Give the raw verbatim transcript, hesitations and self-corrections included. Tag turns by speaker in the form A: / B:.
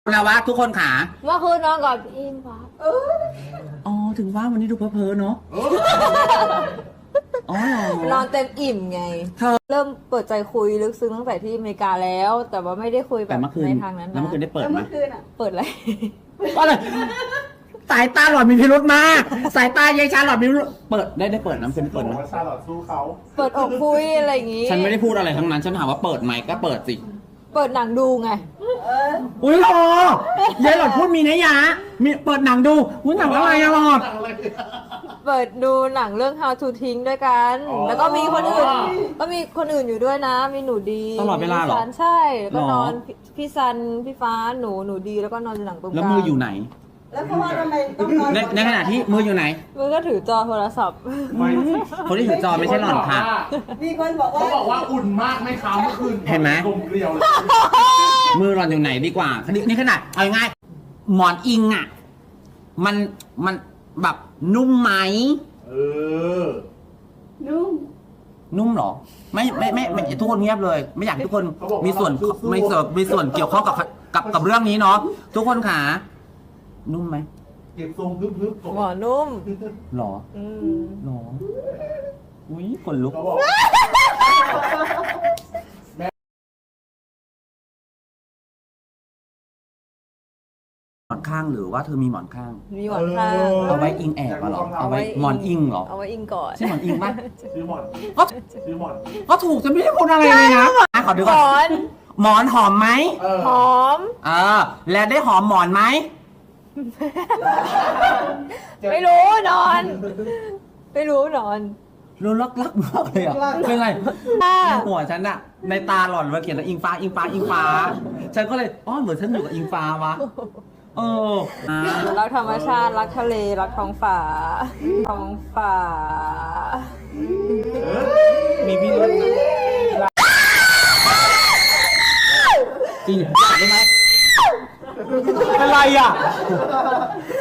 A: แล้วว่าทุกคนขา
B: เมื่อคืนนอนกับอิมฟ้า
A: อ๋อถึงว่าวันนี้ดูเพ้อๆเนาะอ๋อน
B: อนเต็มอิ่มไง
A: เธอ
B: เริ่มเปิดใจคุยลึกซึ้งตั้งแต่ที่อเมริกาแล้ว แต่ว่าไม่ได้คุยแบ
A: แต่
B: บ
A: เมื่อคืน
B: ในทางนั้น
A: แล้ว
B: นะ
A: เมื่อคืนได้เปิดไหม
B: เปิดอะไร
A: ว่าอะไรสายตาหลอดมีพิรุธมากสายตายายชาหลอดมีพิรุธเปิดได้ได้เปิดน้ำคืนได้เปิดไหม
C: ชาลอตสู้เขา
B: เปิดอกคุยอะไรอย่างงี้
A: ฉันไม่ได้พูดอะไรทั้งนั้นฉันถามว่าเปิดไหมก็เปิดสิ
B: เปิดหนังดูไง
A: อุ้ยหลอดยายหลอดพูดมีนัยยะมีเปิดหนังดูอุ้ยหนังอะไรอะหลอด
B: เปิดดูหนังเรื่อง How to ทิ้งด้วยกัน แล้วก็มีคนอื่น ก็มีคนอื่นอยู่ด้วยนะ มีหนูดี
A: ตลอดเวลาเหรอ
B: พี่ซันใช่ แล้วก็
A: หรอ
B: นอนพี่พี่ซัน พี่ฟ้า หนู หนูดี แล้วก็นอนอยู่หลังตรงกลาง
A: แล้วมืออยู่ไหน
D: แล้วเพราะว่าทำไมต้องนอน
A: ในในขณะที่มืออยู่ไหน
B: มือก็ถือจอโทรศัพท์
A: คนที่ถือจอไม่ใช่หลอนค่ะ
D: มีคนบอกว่า
C: เขาบอกว่าอุ่นมากไหมคะเมื่อคืน
A: เห็นไหม
C: กลมเกลียวเลย
A: มือหลอนอยู่ไหนดีกว่านี่นี่ขนาดเอาง่ายๆหมอนอิงอ่ะ มันมันแบบนุ่มไหม
C: เออ
D: นุ่ม
A: นุ่มเหรอ ไม่ไม่ไม่ไม่ทุกคนเงียบเลย ไม่อยากให้ทุกคนมีส่วนมีส่วนมีส่วนเกี่ยวข้องกับกับกับเรื่องนี้เนาะทุกคนขานุ่มไหม
C: เก็บทรงพึบๆ
B: หมอนุ่ม
A: หรอ
B: อืม
A: หรออุ้ยคนลุก
C: เขาบอก
A: หมอนข้างหรือว่าเธอมีหมอนข้าง
B: มีหมอนข้าง
A: เอาไว้อิงแอบอะเหรอเอาไว้หมอนอิงเหรอ
B: เอาไว้อิงก่อน
A: ใช่หมอนอิงปะ
C: ชื่อหมอน
A: ก็
C: ชื่อหมอน
A: ก็ถูกจะไม่ได้พูดอะไรเลยนะอ่ะขอดู
B: หม
A: ก่อ
B: อน น
A: หมอนหอมไหม
C: เออ
B: หอม
A: เออแล้วได้หอมหมอนไหม
B: ไม่รู้นอน ไม่รู้นอน
A: รู้ลักลักมากเลยอ่ะเป็นไรหัวฉันอะในตาหล่อนมาเขียนว่าอิงฟ้าอิงฟ้าอิงฟ้า ฉันก็เลยอ๋อเหมือนฉันอยู่กับอิงฟ้าวะเอออ่า
B: รักธรรมชาติ รักทะเล รักท้องฟ้า ท้องฟ้า
A: มีพี่รุ่นจริงอยากได้ไหมเป็นไรอ่ะ